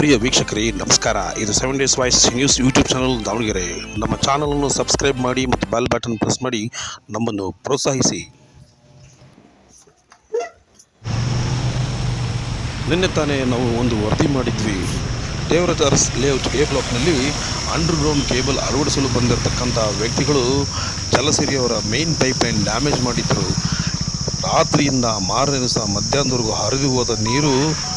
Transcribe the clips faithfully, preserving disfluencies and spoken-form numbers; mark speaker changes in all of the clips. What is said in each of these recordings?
Speaker 1: ಪ್ರಿಯ ವೀಕ್ಷಕರೇ ನಮಸ್ಕಾರ. ಇದು seven days voice news YouTube channel Davanagere. ನಮ್ಮ ಚಾನಲನ್ನು ಸಬ್ಸ್ಕ್ರೈಬ್ ಮಾಡಿ ಮತ್ತು ಬೆಲ್ ಬಟನ್ ಪ್ರೆಸ್ ಮಾಡಿ ನಮ್ಮನ್ನು ಪ್ರೋತ್ಸಾಹಿಸಿ. ನಿನ್ನೆ ತಾನೇ ನಾವು ಒಂದು ವರದಿ ಮಾಡಿದ್ವಿ. ದೇವರಾಜ್ ಲೇಔಟ್ ಎ ಬ್ಲಾಕ್ನಲ್ಲಿ ಅಂಡರ್ಗ್ರೌಂಡ್ ಕೇಬಲ್ ಅಳವಡಿಸಲು ಬಂದಿರತಕ್ಕಂಥ ವ್ಯಕ್ತಿಗಳು ಜಲಸಿರಿಯವರ ಮೇನ್ ಪೈಪ್ಲೈನ್ ಡ್ಯಾಮೇಜ್ ಮಾಡಿದ್ದರು. ರಾತ್ರಿಯಿಂದ ಮಾರನೇ ದಿವಸ ಮಧ್ಯಾಹ್ನದವರೆಗೂ ಹರಿದು ಹೋದ ನೀರು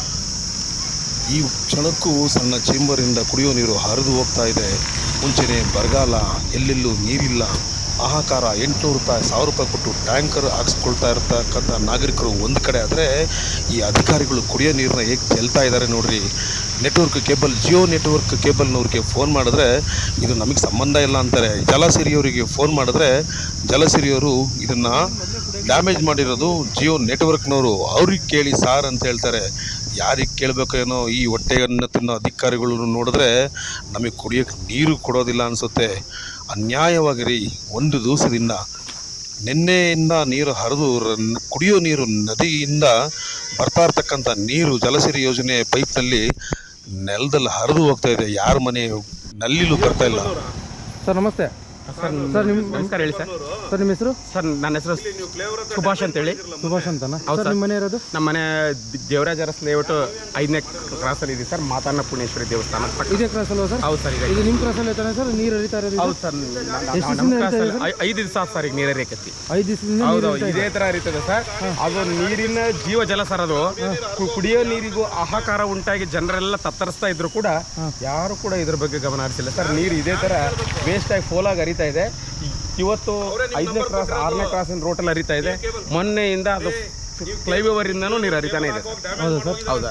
Speaker 1: ಈ ಕ್ಷಣಕ್ಕೂ ಸಣ್ಣ ಚೇಂಬರಿಂದ ಕುಡಿಯೋ ನೀರು ಹರಿದು ಹೋಗ್ತಾ ಇದೆ. ಮುಂಚೆನೇ ಬರಗಾಲ, ಎಲ್ಲೆಲ್ಲೂ ನೀರಿಲ್ಲ, ಹಾಹಾಕಾರ. ಎಂಟುನೂರು ರೂಪಾಯಿ ಸಾವಿರ ರೂಪಾಯಿ ಕೊಟ್ಟು ಟ್ಯಾಂಕರ್ ಹಾಕ್ಸ್ಕೊಳ್ತಾ ಇರ್ತಕ್ಕಂಥ ನಾಗರಿಕರು ಒಂದು ಕಡೆ ಆದರೆ, ಈ ಅಧಿಕಾರಿಗಳು ಕುಡಿಯೋ ನೀರನ್ನ ಹೇಗೆ ಚೆಲ್ತಾ ಇದ್ದಾರೆ ನೋಡ್ರಿ. ನೆಟ್ವರ್ಕ್ ಕೇಬಲ್, ಜಿಯೋ ನೆಟ್ವರ್ಕ್ ಕೇಬಲ್ನವ್ರಿಗೆ ಫೋನ್ ಮಾಡಿದ್ರೆ ಇದು ನಮಗೆ ಸಂಬಂಧ ಇಲ್ಲ ಅಂತಾರೆ. ಜಲಸಿರಿಯವರಿಗೆ ಫೋನ್ ಮಾಡಿದ್ರೆ ಜಲಸಿರಿಯವರು ಇದನ್ನು ಡ್ಯಾಮೇಜ್ ಮಾಡಿರೋದು ಜಿಯೋ ನೆಟ್ವರ್ಕ್ನವರು, ಅವ್ರಿಗೆ ಕೇಳಿ ಸಾರ್ ಅಂತ ಹೇಳ್ತಾರೆ. ಯಾರಿಗೆ ಕೇಳಬೇಕೇನೋ. ಈ ಹೊಟ್ಟೆಯನ್ನು ತಿನ್ನೋ ಅಧಿಕಾರಿಗಳು ನೋಡಿದ್ರೆ ನಮಗೆ ಕುಡಿಯೋಕ್ಕೆ ನೀರು ಕೊಡೋದಿಲ್ಲ ಅನಿಸುತ್ತೆ. ಅನ್ಯಾಯವಾಗಿರಿ. ಒಂದು ದಿವಸದಿಂದ ನಿನ್ನೆಯಿಂದ ನೀರು ಹರಿದು ಕುಡಿಯೋ ನೀರು ನದಿಯಿಂದ ಬರ್ತಾ ಇರ್ತಕ್ಕಂಥ ನೀರು ಜಲಸಿರಿ ಯೋಜನೆ ಪೈಪ್ನಲ್ಲಿ ನೆಲದಲ್ಲಿ ಹರಿದು ಹೋಗ್ತಾ ಇದೆ. ಯಾರ ಮನೆ ನಲ್ಲಿಲೂ ಬರ್ತಾ ಇಲ್ಲ.
Speaker 2: ಸರ್ ನಮಸ್ತೆ.
Speaker 3: ಸರ್
Speaker 2: ಸರ್ ನಿಮ್ಮ
Speaker 3: ನಮಸ್ಕಾರ. ಹೇಳಿ ಸರ್.
Speaker 2: ಸರ್ ನಿಮ್ಮ ಹೆಸರು?
Speaker 3: ಸರ್ ನನ್ನ ಹೆಸರು ಸುಭಾಷ್ ಅಂತೇಳಿ.
Speaker 2: ಸುಭಾಷ್ ಅಂತನಾ?
Speaker 3: ಹೌದು
Speaker 2: ಸರ್. ನಿಮ್ಮ ಮನೆ ಇರೋದು?
Speaker 3: ನಮ್ಮ ಮನೆ ದೇವರಾಜ್ ಅರಸ್ ಲೇಔಟ್ ಐದನೇ ಕ್ರಾಸಲ್ಲಿ ಇದೆ ಸರ್. ಮಾತಾನ ಪುಣೇಶ್ವರಿ ದೇವಸ್ಥಾನ
Speaker 2: ಇದೇ ಕ್ರಾಸ್ ಅಲ್ವಾ ಸರ್?
Speaker 3: ಹೌದು ಸರ್.
Speaker 2: ಇದು ನಿಮ್ಮ ಕ್ರಾಸಲ್ಲಿ ಐತಾನೆ ಸರ್ ನೀರು ಹರಿತಾ ಇರೋದು?
Speaker 3: ಹೌದು ಸರ್.
Speaker 2: ಎಷ್ಟು
Speaker 3: ನಮ್ಮ
Speaker 2: ದಿವಸ
Speaker 3: ಕ್ರಾಸಲ್ಲಿ ಐದು ದಿವಸ ಆಯ್ತು ಸರ್ ಈಗ ನೀರು ಹರಿಯಕತ್ತಿ.
Speaker 2: ಐದು ದಿವಸದಿಂದ
Speaker 3: ಹೌದು ಇದೇ ಥರ ಹರಿತದೆ ಸರ್. ಅದು ನೀರಿನ ಜೀವ ಜಲ ಸರ್. ಅದು ಕು- ಕುಡಿಯೋ ನೀರಿಗೂ ಹಾಹಾಕಾರ ಉಂಟಾಗಿ ಜನರೆಲ್ಲ ತತ್ತರಿಸ್ತಾ ಇದ್ರು ಕೂಡ ಯಾರು ಕೂಡ ಇದ್ರ ಬಗ್ಗೆ ಗಮನ ಹರಿಸಿಲ್ಲ ಸರ್. ನೀರು ಇದೇ ಥರ ವೇಸ್ಟಾಗಿ ಫೋಲಾಗಿ ಹರಿತಾ ಇದೆ. ಇವತ್ತು ಐದನೇ ಕ್ರಾಸ್ ಆರನೇ ಕ್ರಾಸಿನ ರೋಟಲ್ಲಿ ಹರಿತಾ ಇದೆ. ಮೊನ್ನೆಯಿಂದ ಅದು ಫ್ಲೈಓವರ್ ಇಂದನೂ ನೀರು ಹರಿತಾನೆ ಇದೆ.
Speaker 2: ಹೌದಾ ಸರ್?
Speaker 3: ಹೌದಾ?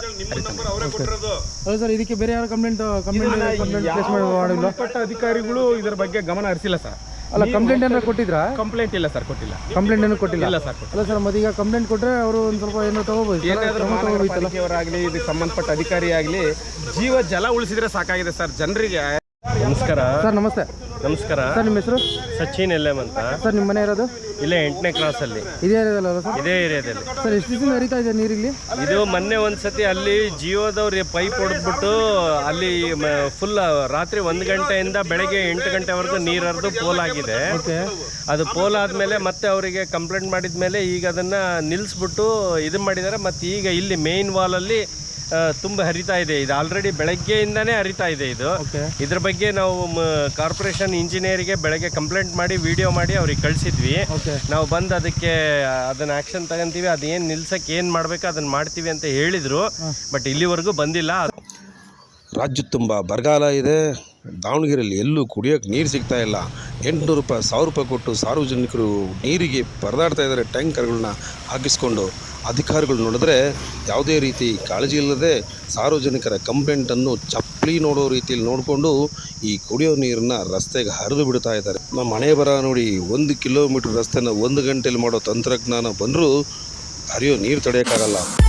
Speaker 2: ಹೌದು ಸರ್. ಇದಕ್ಕೆ ಬೇರೆ ಯಾರು ಕಂಪ್ಲೇಂಟ್ ಕಂಪ್ಲೇಂಟ್ ಕಂಪ್ಲೇಂಟ್ ಪ್ಲೇಸ್ ಮಾಡಿಲ್ಲ?
Speaker 3: ಸಂಬಂಧಪಟ್ಟ ಅಧಿಕಾರಿಗಳು ಇದರ ಬಗ್ಗೆ ಗಮನ ಹರಿಸಿಲ್ಲ ಸರ್.
Speaker 2: ಅಲ್ಲ, ಕಂಪ್ಲೇಂಟ್ ಏನಾರು ಕೊಟ್ಟಿದ್ರಾ?
Speaker 3: ಕಂಪ್ಲೇಂಟ್ ಇಲ್ಲ ಸರ್, ಕೊಟ್ಟಿಲ್ಲ.
Speaker 2: ಕಂಪ್ಲೇಂಟ್ ಏನು ಕೊಟ್ಟಿಲ್ಲ?
Speaker 3: ಇಲ್ಲ ಸರ್.
Speaker 2: ಅಲ್ಲ ಸರ್, ಮತ್ತೆ ಈಗ ಕಂಪ್ಲೇಂಟ್ ಕೊಟ್ಟರೆ ಅವರು ಒಂದು ಸ್ವಲ್ಪ ಏನೋ ತಗೋಬೋದು.
Speaker 3: ಏನಾದರೂ ಮಹಾನಗರಪಾಲಿಕೆಯವರಾಗಲಿ ಇದಕ್ಕೆ ಸಂಬಂಧಪಟ್ಟ ಅಧಿಕಾರಿ ಆಗಲಿ ಜೀವ ಜಲ ಉಳಿಸಿದ್ರೆ ಸಾಕಾಗಿದೆ ಸರ್ ಜನರಿಗೆ.
Speaker 4: ನಮಸ್ಕಾರ
Speaker 2: ಸರ್. ನಮಸ್ತೆ.
Speaker 4: ನಮಸ್ಕಾರ
Speaker 2: ಸರ್ ನಿಮ್ಮ ಹೆಸರು?
Speaker 4: ಸಚಿನ್ ಎಲ್ ಎಂ ಅಂತ.
Speaker 2: ಸರ್ ನಿಮ್ಮ ಮನೆ ಇರೋದು?
Speaker 4: ಇಲ್ಲೇ ಎಂಟನೇ ಕ್ರಾಸಲ್ಲಿ,
Speaker 2: ಇದೇ ಏರಿಯಾದಲ್ಲ ಸರ್?
Speaker 4: ಇದೇ ಏರಿಯಾದಲ್ಲಿ.
Speaker 2: ಸರ್ ಎಷ್ಟು ದಿವಸ ಹರಿತಾ ಇದೆ ನೀರಿಲ್ಲಿ?
Speaker 4: ಇದು ಮೊನ್ನೆ ಒಂದ್ಸತಿ ಅಲ್ಲಿ ಜಿಯೋದವ್ರು ಪೈಪ್ ಹೊಡೆದ್ಬಿಟ್ಟು ಅಲ್ಲಿ ಫುಲ್ ರಾತ್ರಿ ಒಂದು ಗಂಟೆಯಿಂದ ಬೆಳಗ್ಗೆ ಎಂಟು ಗಂಟೆವರೆಗೂ ನೀರು ಹರಿದು ಪೋಲ್ ಆಗಿದೆ. ಅದು ಪೋಲ್ ಆದಮೇಲೆ ಮತ್ತೆ ಅವರಿಗೆ ಕಂಪ್ಲೇಂಟ್ ಮಾಡಿದ ಮೇಲೆ ಈಗ ಅದನ್ನು ನಿಲ್ಲಿಸ್ಬಿಟ್ಟು ಇದು ಮಾಡಿದ್ದಾರೆ. ಮತ್ತು ಈಗ ಇಲ್ಲಿ ಮೇನ್ ವಾಲಲ್ಲಿ ತುಂಬ ಹರಿತಾ ಇದೆ. ಇದು ಆಲ್ರೆಡಿ ಬೆಳಗ್ಗೆಯಿಂದನೇ ಹರಿತಾ ಇದೆ. ಇದು ಇದ್ರ ಬಗ್ಗೆ ನಾವು ಕಾರ್ಪೊರೇಷನ್ ಇಂಜಿನಿಯರಿಗೆ ಬೆಳಗ್ಗೆ ಕಂಪ್ಲೇಂಟ್ ಮಾಡಿ ವಿಡಿಯೋ ಮಾಡಿ ಅವ್ರಿಗೆ ಕಳಿಸಿದ್ವಿ. ನಾವು ಬಂದು ಅದಕ್ಕೆ ಅದನ್ನ ಆಕ್ಷನ್ ತಗೊಂತೀವಿ, ಅದೇನು ನಿಲ್ಸಕ್ಕೆ ಏನು ಮಾಡಬೇಕು ಅದನ್ನು ಮಾಡ್ತೀವಿ ಅಂತ ಹೇಳಿದರು. ಬಟ್ ಇಲ್ಲಿವರೆಗೂ ಬಂದಿಲ್ಲ.
Speaker 1: ರಾಜ್ಯ ತುಂಬ ಬರಗಾಲ ಇದೆ. ದಾವಣಗೆರೆಯಲ್ಲಿ ಎಲ್ಲೂ ಕುಡಿಯೋಕ್ಕೆ ನೀರು ಸಿಗ್ತಾ ಇಲ್ಲ. ಎಂಟುನೂರು ರೂಪಾಯಿ ಸಾವಿರ ರೂಪಾಯಿ ಕೊಟ್ಟು ಸಾರ್ವಜನಿಕರು ನೀರಿಗೆ ಪರದಾಡ್ತಾ ಇದ್ದಾರೆ ಟ್ಯಾಂಕರ್ಗಳನ್ನ ಹಾಕಿಸ್ಕೊಂಡು. ಅಧಿಕಾರಿಗಳು ನೋಡಿದ್ರೆ ಯಾವುದೇ ರೀತಿ ಕಾಳಜಿ ಇಲ್ಲದೆ ಸಾರ್ವಜನಿಕರ ಕಂಪ್ಲೇಂಟನ್ನು ಚಪ್ಪಲಿ ನೋಡೋ ರೀತಿಯಲ್ಲಿ ನೋಡಿಕೊಂಡು ಈ ಕುಡಿಯೋ ನೀರನ್ನು ರಸ್ತೆಗೆ ಹರಿದು ಬಿಡ್ತಾ ಇದ್ದಾರೆ. ನಮ್ಮ ಮನೆ ಬರ ನೋಡಿ, ಒಂದು ಕಿಲೋಮೀಟ್ರ್ ರಸ್ತೆನ ಒಂದು ಗಂಟೆಯಲ್ಲಿ ಮಾಡೋ ತಂತ್ರಜ್ಞಾನ ಬಂದರೂ ಹರಿಯೋ ನೀರು ತಡೆಯೋಕ್ಕಾಗಲ್ಲ.